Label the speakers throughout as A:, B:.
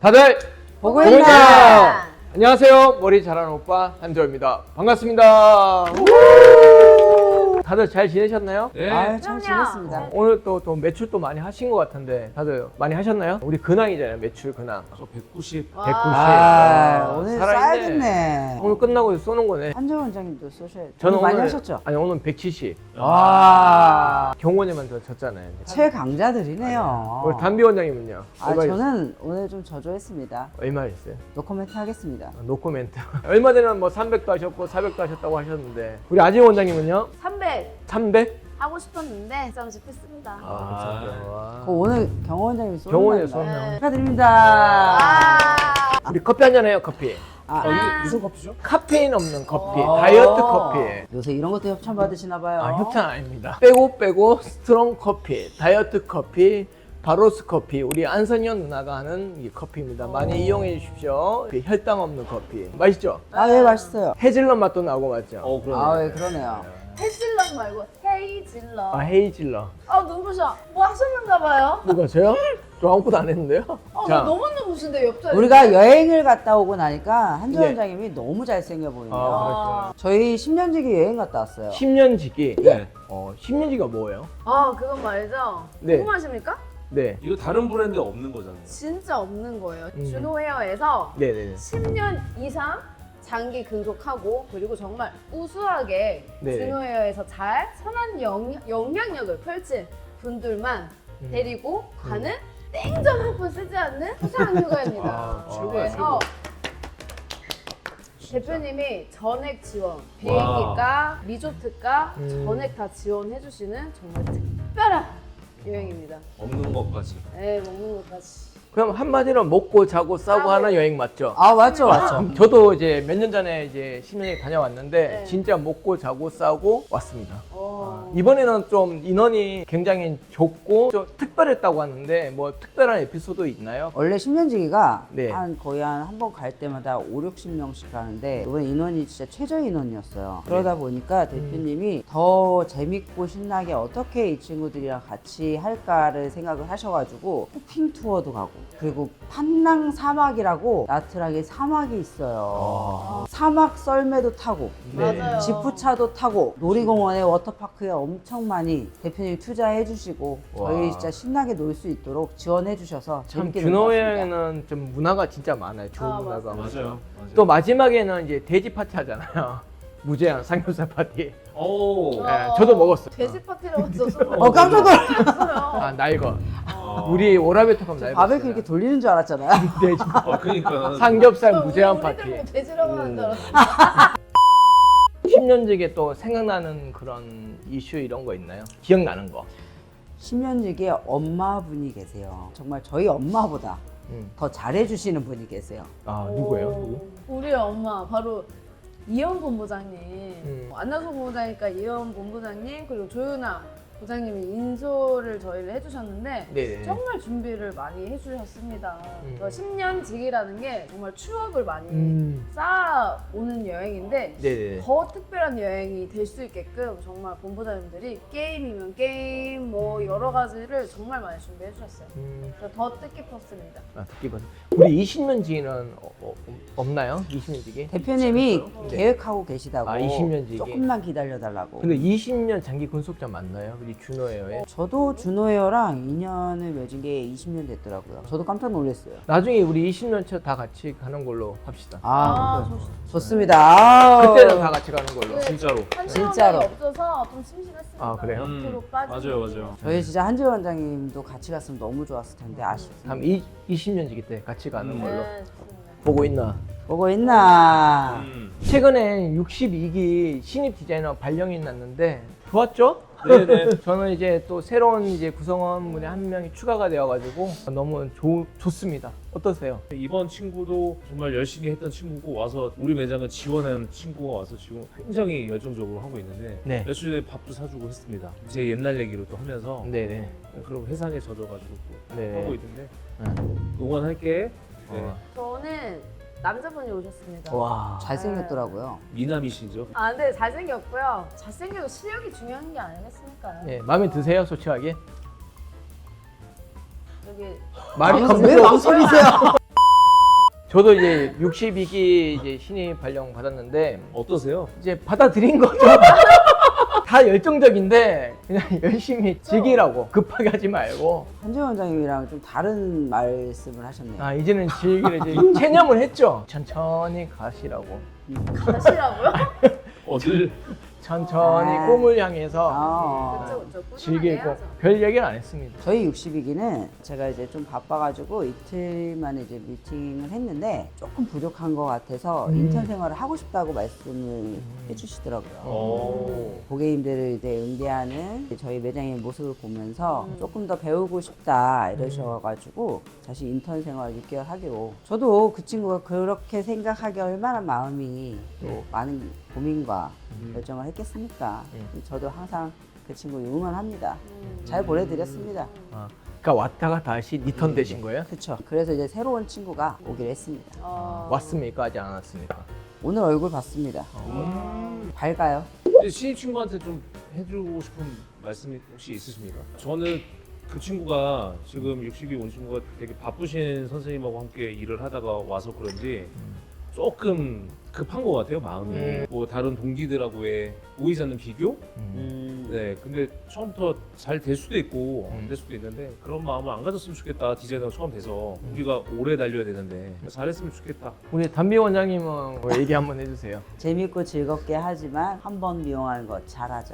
A: 다들
B: 보고 있나?
A: 안녕하세요. 머리 잘하는 오빠 한조입니다. 반갑습니다. 다들 잘 지내셨나요?
C: 네.
B: 아유, 잘 지냈습니다.
A: 오늘 또 매출 또 많이 하신 것 같은데 다들 많이 하셨나요? 우리 근황이잖아요. 매출 근황.
C: 저 190.
A: 190.
B: 오늘
A: 살아있네.
B: 쌓여졌네.
A: 오늘 끝나고 쏘는 거네.
B: 한정 원장님도 소셜
A: 저는
B: 많이
A: 오늘
B: 하셨죠?
A: 아니 오늘 170.
B: 와,
A: 경원에만 더 졌잖아요.
B: 최강자들이네요.
A: 우리 담비 원장님은요?
B: 저는 오늘 좀 저조했습니다.
A: 얼마 했어요?
B: 노코멘트 하겠습니다.
A: 노코멘트. 얼마 전에는 뭐 300도 하셨고 400도 하셨다고 하셨는데 우리 아진 원장님은요?
D: 300
A: 300?
D: 하고 싶었는데 잠시 했습니다.
A: 아,
B: 오늘 경호 원장님이 쏘는
A: 경원에
B: 날인가요?
A: 쏘면
B: 축하드립니다.
A: 우리 커피 한잔 해요. 커피.
C: 이게 무슨 커피죠?
A: 카페인 없는 커피. 다이어트 커피.
B: 요새 이런 것도 협찬 받으시나 봐요.
A: 아, 협찬 아닙니다. 빼고 스트롱 커피, 다이어트 커피, 바로스 커피. 우리 안선현 누나가 하는 이 커피입니다. 많이 이용해 주십시오. 혈당 없는 커피. 맛있죠?
B: 예, 맛있어요.
A: 헤즐넛 맛도 나고 맞죠?
C: 그러네.
B: 예, 그러네요.
D: 헤이즐넛 말고 헤이즐넛.
A: 아, 헤이즐넛.
D: 눈부셔. 뭐 하셨는가 봐요?
A: 누가 저요? 저 아무것도 안 했는데요?
D: 나 너무 눈부신데 옆자리.
B: 우리가 여행을 갔다 오고 나니까 한정
A: 네.
B: 원장님이 너무 잘생겨 보이네요.
A: 아,
B: 저희 10년지기 여행 갔다 왔어요.
A: 10년지기.
C: 네.
A: 10년지기가 뭐예요?
D: 그건 말이죠.
A: 네.
D: 궁금하십니까?
A: 네.
C: 이거 다른 브랜드에 없는 거잖아요.
D: 진짜 없는 거예요. 준호 헤어에서
A: 네네네.
D: 10년 이상 장기 근속하고 그리고 정말 우수하게
A: 네.
D: 준호 헤어에서 잘 선한 영향력을 펼친 분들만 데리고 가는 땡전 한 푼 쓰지 않는 수상 휴가입니다.
A: 아,
C: 최고야,
D: 그래서 대표님이 전액 지원, 비행기가, 리조트가 전액 다 지원해주시는 정말 특별한 여행입니다.
C: 없는 것까지.
D: 네, 먹는 것까지.
A: 그럼 한마디로 먹고 자고 싸고 하는 여행 맞죠?
B: 맞죠.
A: 저도 이제 몇 년 전에 이제 10년에 다녀왔는데
D: 네.
A: 진짜 먹고 자고 싸고 왔습니다.
D: 어.
A: 이번에는 좀 인원이 굉장히 적고 좀 특별했다고 하는데 뭐 특별한 에피소드 있나요?
B: 원래 10년지기가
A: 네.
B: 거의 한 번 갈 때마다 5, 60명씩 가는데 이번 인원이 진짜 최저 인원이었어요. 그러다 보니까 대표님이 더 재밌고 신나게 어떻게 이 친구들이랑 같이 할까를 생각을 하셔가지고 호핑 투어도 가고 그리고 판낭 사막이라고 나트랑에 사막이 있어요. 사막 썰매도 타고
A: 네.
D: 맞아요.
B: 지프차도 타고 놀이공원에 워터파크에 엄청 많이 대표님이 투자해 주시고 저희
A: 와.
B: 진짜 신나게 놀 수 있도록 지원해 주셔서
A: 참
B: 재밌게
A: 준호
B: 놀았습니다.
A: 여행은 좀 문화가 진짜 많아요. 좋은 문화가.
C: 맞아요.
A: 또 마지막에는 이제 돼지 파티 하잖아요. 무제한 삼겹살 파티.
C: 오.
A: 네, 저도 먹었어요.
D: 돼지 파티라고 써서
B: 깜짝 놀랐어요.
A: 아, 날거. 우리 오라베토감 날거.
B: 바베큐 이렇게 돌리는 줄 알았잖아요.
A: 돼지.
C: 그러니까.
A: 삼겹살 무제한 파티.
D: 우리들 뭐 돼지라고 하는 줄 알았어.
A: 10년지기에 또 생각나는 그런 이슈 이런 거 있나요? 기억나는 거.
B: 10년지기에 엄마분이 계세요. 정말 저희 엄마보다 더 잘해주시는 분이 계세요.
A: 아, 누구예요? 누구?
D: 우리 엄마 바로 이현 본부장님. 안나소 본부장이니까 이현 본부장님 그리고 조윤아 부장님이 인솔을 저희를 해주셨는데
A: 네네.
D: 정말 준비를 많이 해주셨습니다. 10년 지기라는 게 정말 추억을 많이 쌓아오는 여행인데
A: 네네.
D: 더 특별한 여행이 될 수 있게끔 정말 본부장님들이 게임이면 게임 뭐 여러 가지를 정말 많이 준비해 주셨어요. 그래서 더 뜻깊었습니다.
A: 아, 듣기 봐. 우리 20년지기는 없나요? 20년지기?
B: 대표님이
A: 네.
B: 계획하고 계시다고
A: 20년지기.
B: 조금만 기다려달라고.
A: 근데 20년 장기 근속자 맞나요? 우리 준호예요.
B: 저도 준호웨어랑 인연을 맺은 게 20년 됐더라고요. 저도 깜짝 놀랐어요.
A: 나중에 우리 20년 차 다 같이 가는 걸로 합시다.
B: 좋습니다. 아우.
A: 그때는 다 같이 가는 걸로.
C: 진짜로.
B: 진짜로.
D: 한시간이 없어서 좀 심심했습니다.
A: 아, 그래요?
D: 밑으로 빠지는
C: 맞아요.
B: 저희 진짜 한지원 원장님도 같이 갔으면 너무 좋았을 텐데 아쉽습니다.
A: 다음 20년지기 때 같이 가는 걸로.
D: 네, 좋습니다.
A: 보고 있나?
B: 보고 있나?
A: 최근에 62기 신입 디자이너 발령이 났는데 좋았죠?
C: 네네.
A: 저는 이제 또 새로운 이제 구성원분이 한 명이 추가가 되어가지고 너무 좋습니다. 어떠세요?
C: 이번 친구도 정말 열심히 했던 친구고 와서 우리 매장을 지원한 친구가 와서 지금 굉장히 열정적으로 하고 있는데
A: 네.
C: 며칠 전에 밥도 사주고 했습니다. 제 옛날 얘기로 또 하면서
A: 네네.
C: 그럼 회상에 젖어가지고 또
A: 네.
C: 하고 있는데
A: 네.
C: 응원할게. 네.
D: 저는 남자분이 오셨습니다.
A: 와.
B: 잘생겼더라고요.
C: 미남이시죠?
D: 근데 잘생겼고요. 잘생겨도 실력이 중요한 게 아니겠습니까?
A: 네, 마음에 드세요, 솔직하게?
D: 여기
A: 말이
B: 왜 망설이세요?
A: 저도 이제 62기 이제 신입 발령 받았는데
C: 어떠세요?
A: 이제 받아들인 거죠. 다 열정적인데 그냥 열심히 즐기라고 급하게 하지 말고
B: 한재원 원장님이랑 좀 다른 말씀을 하셨네요.
A: 아 이제는 즐기를 이제 체념을 했죠. 천천히 가시라고.
D: 가시라고요?
C: 어딜
A: 천천히
B: 아.
A: 꿈을 향해서
B: 아.
D: 그쵸, 꾸준하게
A: 즐기고
D: 해야죠.
A: 별 얘기는 안 했습니다.
B: 저희 60이기는 제가 이제 좀 바빠가지고 이틀 만에 이제 미팅을 했는데 조금 부족한 것 같아서 인턴 생활을 하고 싶다고 말씀을 해주시더라고요.
C: 오.
B: 고객님들을 이제 응대하는 저희 매장의 모습을 보면서 조금 더 배우고 싶다 이러셔가지고 다시 인턴 생활 6개월 하기로. 저도 그 친구가 그렇게 생각하기 얼마나 마음이 또 많은 고민과 결정을 했겠습니까? 저도 항상 그 친구 응원합니다. 잘 보내드렸습니다.
A: 아, 그러니까 왔다가 다시 리턴 되신 거예요?
B: 그렇죠. 그래서 이제 새로운 친구가 오기로 했습니다.
A: 왔습니까? 아직 안 왔습니까?
B: 오늘 얼굴 봤습니다. 밝아요.
C: 근데 신입 친구한테 좀 해주고 싶은 말씀이 혹시 있으십니까? 저는 그 친구가 지금 60이 온 친구가 되게 바쁘신 선생님하고 함께 일을 하다가 와서 그런지 조금 급한 것 같아요, 마음이. 뭐 다른 동기들하고의 보이지 않는 비교? 네, 근데 처음부터 잘 될 수도 있고 안 될 수도 있는데 그런 마음을 안 가졌으면 좋겠다. 디자이너가 처음 돼서 우리가 오래 달려야 되는데 잘했으면 좋겠다.
A: 우리 담비 원장님은 뭐 얘기 한번 해주세요.
B: 재밌고 즐겁게 하지만 한 번 미용하는 거 잘하자.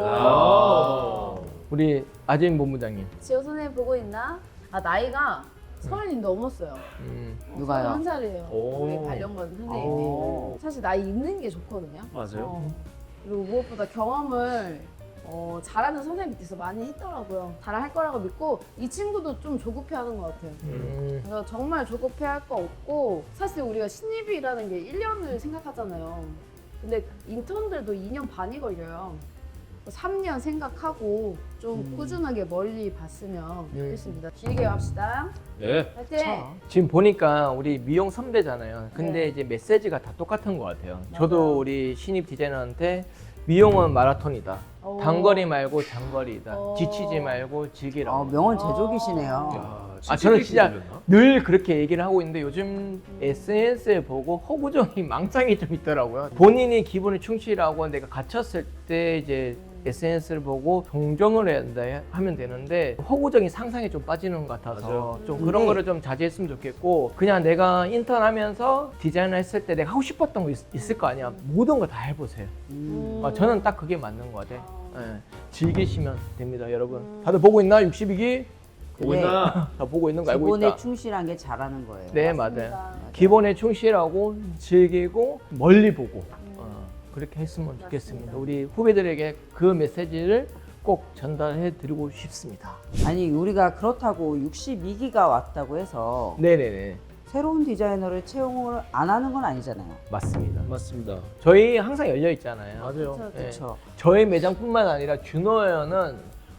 C: 아.
A: 우리 아재인 본부장님.
D: 지호 선생님 보고 있나? 아 나이가 30이 넘었어요.
B: 누가요?
D: 31살이에요.
C: 오.
D: 우리 발령받은 선생님이.
B: 오.
D: 사실 나이 있는 게 좋거든요.
C: 맞아요.
D: 그리고 무엇보다 경험을 잘하는 선생님 밑에서 많이 했더라고요. 잘할 거라고 믿고 이 친구도 좀 조급해하는 것 같아요. 그래서 정말 조급해할 거 없고 사실 우리가 신입이라는 게 1년을 생각하잖아요. 근데 인턴들도 2년 반이 걸려요. 3년 생각하고 좀 꾸준하게 멀리 봤으면 좋겠습니다. 길게 합시다.
C: 네.
D: 파이팅!
A: 지금 보니까 우리 미용 선배잖아요. 근데
D: 네.
A: 이제 메시지가 다 똑같은 것 같아요. 저도 우리 신입 디자이너한테 미용은 마라톤이다.
D: 오.
A: 단거리 말고 장거리다.
D: 오.
A: 지치지 말고 즐기라고.
B: 명언 제조기시네요.
C: 야,
A: 아, 저는 진짜
C: 들렸나?
A: 늘 그렇게 얘기를 하고 있는데 요즘 SNS에 보고 허구정이 망상이 좀 있더라고요. 본인이 기분에 충실하고 내가 갇혔을 때 이제 SNS를 보고 동정을 해야 된다 하면 되는데 허구정이 상상에 좀 빠지는 것 같아서
C: 맞아요.
A: 좀 그런
B: 네.
A: 거를 좀 자제했으면 좋겠고 그냥 내가 인턴하면서 디자인을 했을 때 내가 하고 싶었던 거 있을 거 아니야. 모든 거 다 해보세요. 저는 딱 그게 맞는 것 같아요. 예, 즐기시면 됩니다, 여러분. 다들 보고 있나? 62기?
C: 보고
B: 네.
C: 있나?
A: 다 보고 있는 거 알고
B: 기본에
A: 있다.
B: 충실한 게 잘하는 거예요.
A: 네,
D: 맞습니다.
A: 맞아요. 기본에 충실하고 즐기고 멀리 보고 그렇게 했으면 좋겠습니다. 우리 후배들에게 그 메시지를 꼭 전달해 드리고 싶습니다.
B: 아니 우리가 그렇다고 62기가 왔다고 해서
A: 네네네.
B: 새로운 디자이너를 채용을 안 하는 건 아니잖아요.
A: 맞습니다.
C: 맞습니다.
A: 저희 항상 열려 있잖아요.
C: 맞아요.
D: 그쵸,
A: 네.
B: 그렇죠.
A: 저희 매장뿐만 아니라 준호연은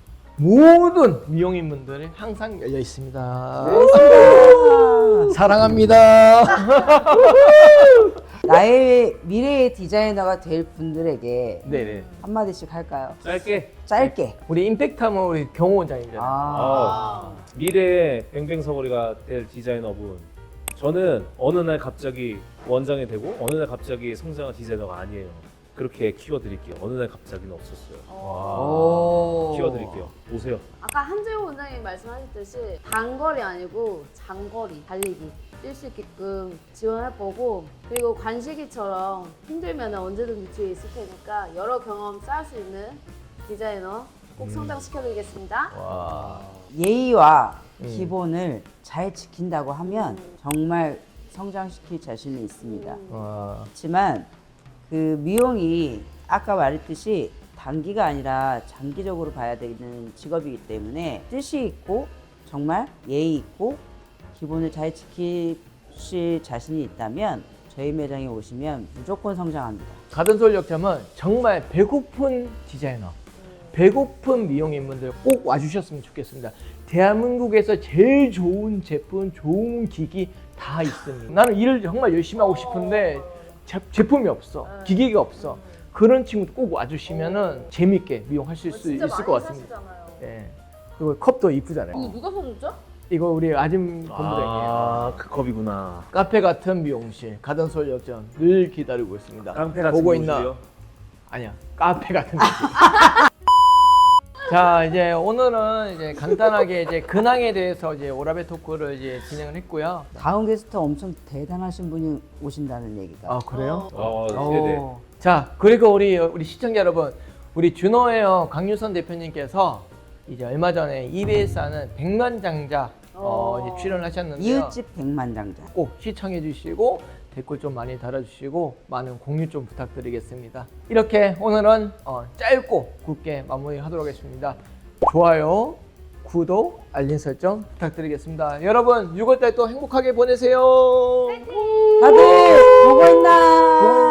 A: 모든 미용인분들이 항상 열려 있습니다. 사랑합니다.
B: 나의 미래의 디자이너가 될 분들에게
A: 네네.
B: 한마디씩 할까요?
C: 짧게.
B: 짧게.
A: 우리 임팩트하면 우리 경호 원장님이잖아요.
C: 미래의 뱅뱅서거리가 될 디자이너분. 저는 어느 날 갑자기 원장이 되고 어느 날 갑자기 성장한 디자이너가 아니에요. 그렇게 키워드릴게요. 어느 날 갑자기는 없었어요.
B: 오.
C: 키워드릴게요. 오세요.
D: 아까 한재호 원장님 말씀하셨듯이 단거리 아니고 장거리 달리기 뛸 수 있게끔 지원할 거고 그리고 관식이처럼 힘들면 언제든지 뒤에 있을 테니까 여러 경험 쌓을 수 있는 디자이너 꼭 성장시켜드리겠습니다.
A: 와.
B: 예의와 기본을 잘 지킨다고 하면 정말 성장시킬 자신이 있습니다.
A: 와.
B: 그렇지만 그 미용이 아까 말했듯이 단기가 아니라 장기적으로 봐야 되는 직업이기 때문에 뜻이 있고 정말 예의 있고 기본을 잘 지키실 자신이 있다면 저희 매장에 오시면 무조건 성장합니다.
A: 가든솔역점은 정말 배고픈 디자이너, 배고픈 미용인분들 꼭 와주셨으면 좋겠습니다. 대한민국에서 제일 좋은 제품, 좋은 기기 다 있습니다. 나는 일을 정말 열심히 하고 싶은데 제품이 없어, 기기가 없어. 그런 친구도 꼭 와주시면은 재밌게 미용하실 수 있을 것 같습니다.
D: 사시잖아요.
A: 예. 그리고 컵도 이쁘잖아요.
D: 이거 누가 사줬죠?
A: 이거 우리 아줌 본부장이에요.
C: 아, 그 컵이구나.
A: 카페 같은 미용실 가든서울 역전 늘 기다리고 있습니다.
C: 깡패 같은
A: 보고
C: 미용실이요?
A: 있나? 아니야, 카페 같은 미용실. 자, 이제 오늘은 이제 간단하게 이제 근황에 대해서 이제 오라베 토크를 이제 진행을 했고요.
B: 다음 게스트 엄청 대단하신 분이 오신다는 얘기가.
A: 아, 그래요?
C: 네네.
A: 자, 그리고 우리 시청자 여러분, 우리 준호웨어 강유선 대표님께서 이제 얼마 전에 EBS 하는 백만장자 이제 출연을 하셨는데요.
B: 이웃집 백만장자.
A: 꼭 시청해 주시고 댓글 좀 많이 달아주시고 많은 공유 좀 부탁드리겠습니다. 이렇게 오늘은 짧고 굵게 마무리하도록 하겠습니다. 좋아요, 구독, 알림 설정 부탁드리겠습니다. 여러분 6월달 또 행복하게 보내세요.
B: 다들 보고 있나?